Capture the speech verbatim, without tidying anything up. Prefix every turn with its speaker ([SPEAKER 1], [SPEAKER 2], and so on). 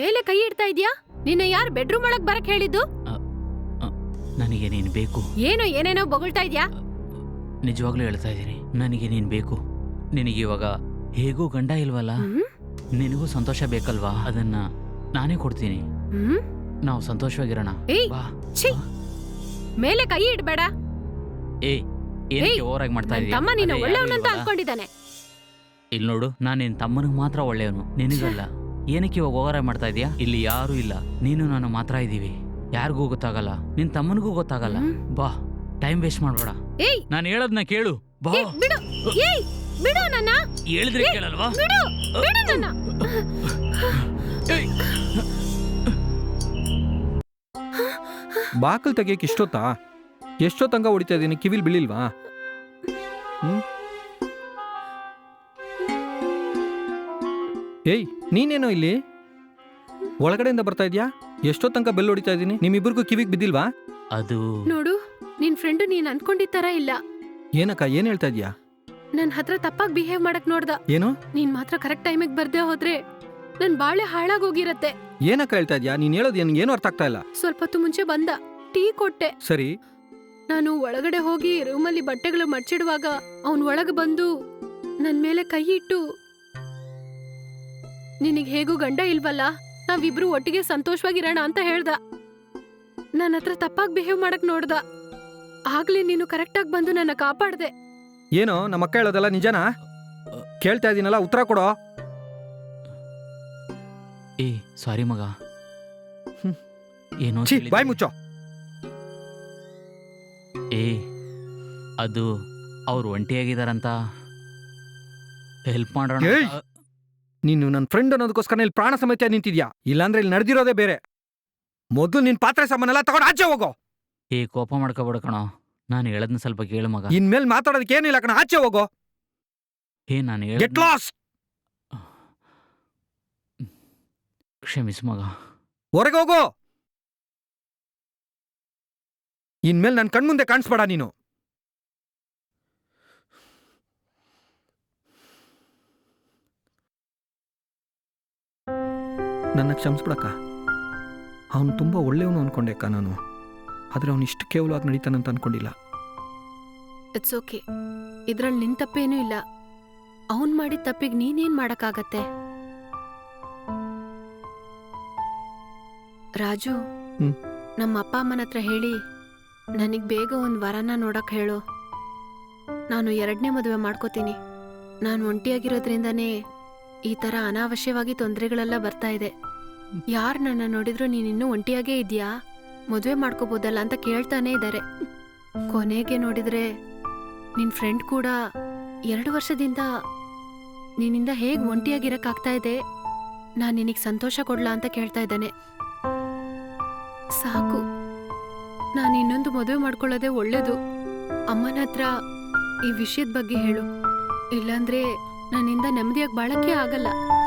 [SPEAKER 1] ಮೇಲೆ ಕೈ ಇಡ್ತಾ ಇದ್ಯಾ? ನಿನ್ನ ಯಾರು ಬೆಡ್ರೂಮ್ ಒಳಗ್ ಬರಕ್ ಹೇಳಿದ್ದು?
[SPEAKER 2] ನನಗೆ ನೀನ್ ಬೇಕು.
[SPEAKER 1] ಏನೋ ಏನೇನೋ ಬೊಗಳ್ತಾ ಇದ್ಯಾ?
[SPEAKER 2] ನಿಜವಾಗ್ಲೂ ಹೇಳ್ತಾ ಇದ್ದೀನಿ, ನನಗೆ ನೀನ್ ಬೇಕು. ನಿನಗೆ ಇವಾಗ ಹೇಗೂ ಗಂಡ ಇಲ್ವಲ್ಲ, ನಿನಗೂ ಸಂತೋಷ ಬೇಕಲ್ವಾ? ಅದನ್ನ ನಾನೇ ಕೊಡ್ತೀನಿ. ನಾವು ಸಂತೋಷವಾಗಿರೋಣ.
[SPEAKER 1] ಮೇಲೆ ಕೈ ಇಡ್ಬೇಡ.
[SPEAKER 2] ಏ ಏನಕ್ಕೆ ಓವರಾಗಿ ಮಾಡ್ತಾ ಇದೀಯ?
[SPEAKER 1] ತಮ್ಮ ನೀನು ಒಳ್ಳೆಯವನಂತ ಅನ್ಕೊಂಡಿದ್ದಾನೆ.
[SPEAKER 2] ಇಲ್ಲಿ ನೋಡು, ನಾನು ನಿನ್ ತಮ್ಮನಿಗೆ ಮಾತ್ರ ಒಳ್ಳೆಯವನು, ನಿನಗಲ್ಲ. ಏನಕ್ಕೆ ಇವಾಗ ಓವರಾಗಿ ಮಾಡ್ತಾ ಇದೀಯಾ? ಇಲ್ಲಿ ಯಾರು ಇಲ್ಲ, ನೀನು ನಾನು ಮಾತ್ರ ಇದೀವಿ. ಯಾರಿಗೂ ಗೊತ್ತಾಗಲ್ಲ, ನಿನ್ ತಮ್ಮನಿಗೂ ಗೊತ್ತಾಗಲ್ಲ. ಬಾ, ಟೈಮ್ ವೇಸ್ಟ್ ಮಾಡ್ಬೇಡ. ನಾನು ಹೇಳೋದ್ನ ಕೇಳು. ಬಾ.
[SPEAKER 1] ಬಿಡು, ಏಯ್ ಬಿಡು ನನ್ನ.
[SPEAKER 2] ಹೇಳಿದ್ರೆ ಕೇಳಲ್ವಾ?
[SPEAKER 1] ಬಿಡು, ಬಿಡು ನನ್ನ.
[SPEAKER 3] ಬಾಕಲ್ ತೆಗಿಯಕ್ಕೆ ಇಷ್ಟೊತ್ತಾ? ಎಷ್ಟೊತ್ತಂಗ ಹೊಡಿತಾ ಇದೀನಿ, ಕಿವಿಲ್ ಬೀಳಿಲ್ವಾ? ಹ್ಮ್ ಏಯ್, ನೀನೇನೋ ಇಲ್ಲಿ ಒಳಗಡೆಯಿಂದ ಬರ್ತಾ ಇದ್ಯಾ? ಎಷ್ಟೊತ್ತಂಕ ಬೆಲ್ ಹೊಡಿತಾ ಇದೀನಿ, ನಿಮ್ಮಿಬ್ಬರಿಗೂ ಕಿವಿಗೆ ಬಿದ್ದಿಲ್ವಾ?
[SPEAKER 2] ಅದು
[SPEAKER 1] ನೋಡು, ನಿನ್ ಫ್ರೆಂಡು ನೀನ್ ಅನ್ಕೊಂಡಿದ್ ತರ ಇಲ್ಲ.
[SPEAKER 3] ಏನಕ್ಕ, ಏನ್ ಹೇಳ್ತಾ ಇದ್ಯಾ?
[SPEAKER 1] ನನ್ ಹತ್ರ ತಪ್ಪಾಗಿ ಬಿಹೇವ್ ಮಾಡಕ್ ನೋಡ್ದ.
[SPEAKER 3] ಏನು?
[SPEAKER 1] ನೀನ್ ಮಾತ್ರ ಕರೆಕ್ಟ್ ಟೈಮಿಗೆ ಬರ್ದೇ ಹೋದ್ರೆ ನನ್ ಬಾಳೆ ಹಾಳಾಗೋಗಿರತ್ತೆ.
[SPEAKER 3] ಏನಕ್ಕ ಹೇಳ್ತಾ ಇದ್ಯಾ? ನೀನ್ ಹೇಳೋದು ಏನು ಅರ್ಥ ಆಗ್ತಾ ಇಲ್ಲ.
[SPEAKER 1] ಸ್ವಲ್ಪ ಹೊತ್ತು ಮುಂಚೆ ಬಂದ, ಟೀ ಕೊಟ್ಟೆ.
[SPEAKER 3] ಸರಿ,
[SPEAKER 1] ನಾನು ಒಳಗಡೆ ಹೋಗಿ ರೂಮಲ್ಲಿ ಬಟ್ಟೆಗಳು ಮಡ್ಚಿಡುವಾಗ ಅವನ್ ಒಳಗೆ ಬಂದು ನನ್ ಮೇಲೆ ಕೈ ಇಟ್ಟು, ನಿನಗ್ ಹೇಗೂ ಗಂಡ ಇಲ್ವಲ್ಲ, ನಾವಿಬ್ರು ಒಟ್ಟಿಗೆ ಸಂತೋಷವಾಗಿರೋಣ ಅಂತ ಹೇಳ್ದ. ನನ್ನ ಹತ್ರ ತಪ್ಪಾಗಿ ಬಿಹೇವ್ ಮಾಡಕ್ ನೋಡ್ದ. ಆಗ್ಲೇ ನೀನು ಕರೆಕ್ಟಾಗಿ ಬಂದು ನನ್ನ ಕಾಪಾಡ್ದೆ.
[SPEAKER 3] ಏನೋ ನಮ್ಮ ಅಕ್ಕ ಹೇಳೋದಲ್ಲ ನಿಜನಾ? ಕೇಳ್ತಾ ಇದೀನಲ್ಲ, ಉತ್ತರ ಕೊಡೋ.
[SPEAKER 2] ಏ ಸಾರಿ ಮಗ. ಏನೋ
[SPEAKER 3] ಬಾಯ್ ಮುಚ್ಚೋ.
[SPEAKER 2] ಏ ಅದು ಅವ್ರು ಒಂಟಿಯಾಗಿದಾರಂತ ಹೆಲ್ಪ್ ಮಾಡೋಣ.
[SPEAKER 3] ನೀನು ನನ್ನ ಫ್ರೆಂಡ್ ಅನ್ನೋದಕ್ಕೋಸ್ಕರ ಇಲ್ಲಿ ಪ್ರಾಣ ಸಮೇತ ನಿಂತಿದ್ಯಾ? ಇಲ್ಲಾಂದ್ರೆ ಇಲ್ಲಿ ನಡೆದಿರೋದೇ ಬೇರೆ. ಮೊದಲು ನಿನ್ ಪಾತ್ರೆ ಸಾಮಾನೆಲ್ಲ ತಗೊಂಡು ಆಚೆ ಹೋಗೋ.
[SPEAKER 2] ಏ ಕೋಪ ಮಾಡ್ಕೋಬೇಡ ಕಣೋ, ನಾನು ಹೇಳದ್ನ ಸ್ವಲ್ಪ ಕೇಳು ಮಗ.
[SPEAKER 3] ಇನ್ಮೇಲೆ ಮಾತಾಡೋದಕ್ಕೆ ಏನಿಲ್ಲ ಕಣ, ಆಚೆ ಹೋಗೋ.
[SPEAKER 2] ಏ ನಾನು ಹೇಳ
[SPEAKER 3] ಗೆಟ್ ಲಾಸ್ಟ್.
[SPEAKER 2] ಕ್ಷಮಿಸು ಮಗ.
[SPEAKER 3] ಹೊರಗೆ ಹೋಗೋ. ಇನ್ಮೇಲೆ ನನ್ನ ಕಣ್ಮುಂದೆ ಕಾಣಿಸ್ಬೇಡ ನೀನು. ನನ್ನ ಕ್ಷಮಿಸ್ಬಿಡಕ್ಕ. ಅವನು ತುಂಬ ಒಳ್ಳೆಯವನು ಅನ್ಕೊಂಡೆ ಅಕ್ಕ ನಾನು, ಆದರೆ ಅವನು ಇಷ್ಟು ಕೇವಲವಾಗಿ ನಡೀತಾನಂತ ಅನ್ಕೊಂಡಿಲ್ಲ.
[SPEAKER 1] ಇಟ್ಸ್ ಓಕೆ, ಇದ್ರಲ್ಲಿ ನಿನ್ ತಪ್ಪೇನೂ ಇಲ್ಲ. ಅವನ್ ಮಾಡಿದ ತಪ್ಪಿಗೆ ನೀನೇನ್ ಮಾಡಕ್ಕಾಗತ್ತೆ? ರಾಜು, ನಮ್ಮ ಅಪ್ಪ ಅಮ್ಮನ ಹತ್ರ ಹೇಳಿ ನನಗ್ ಬೇಗ ಒಂದ್ ವರನ ನೋಡಕ್ ಹೇಳು. ನಾನು ಎರಡನೇ ಮದುವೆ ಮಾಡ್ಕೋತೀನಿ. ನಾನು ಒಂಟಿಯಾಗಿರೋದ್ರಿಂದನೇ ಈ ತರ ಅನಾವಶ್ಯವಾಗಿ ತೊಂದರೆಗಳೆಲ್ಲ ಬರ್ತಾ ಇದೆ. ಯಾರು ನನ್ನ ನೋಡಿದ್ರು ನೀನಿನ್ನೂ ಒಂಟಿಯಾಗೇ ಇದೆಯಾ, ಮದುವೆ ಮಾಡ್ಕೋಬೋದಲ್ಲ ಅಂತ ಕೇಳ್ತಾನೆ ಇದ್ದಾರೆ. ಕೊನೆಗೆ ನೋಡಿದ್ರೆ ನಿನ್ ಫ್ರೆಂಡ್ ಕೂಡ ಎರಡು ವರ್ಷದಿಂದ ನಿನ್ನಿಂದ ಹೇಗೆ ಒಂಟಿಯಾಗಿರಕ್ಕಾಗ್ತಾ ಇದೆ, ನಾನು ನಿನಗೆ ಸಂತೋಷ ಕೊಡ್ಲಾ ಅಂತ ಕೇಳ್ತಾ ಇದ್ದಾನೆ. ಸಾಕು, ನಾನು ಇನ್ನೊಂದು ಮದುವೆ ಮಾಡ್ಕೊಳ್ಳೋದೇ ಒಳ್ಳೇದು. ಅಮ್ಮನ ಹತ್ರ ಈ ವಿಷಯದ ಬಗ್ಗೆ ಹೇಳು, ಇಲ್ಲಾಂದ್ರೆ ನನ್ನಿಂದ ನೆಮ್ಮದಿಯಾಗಿ ಬಾಳಕ್ಕೆ ಆಗಲ್ಲ.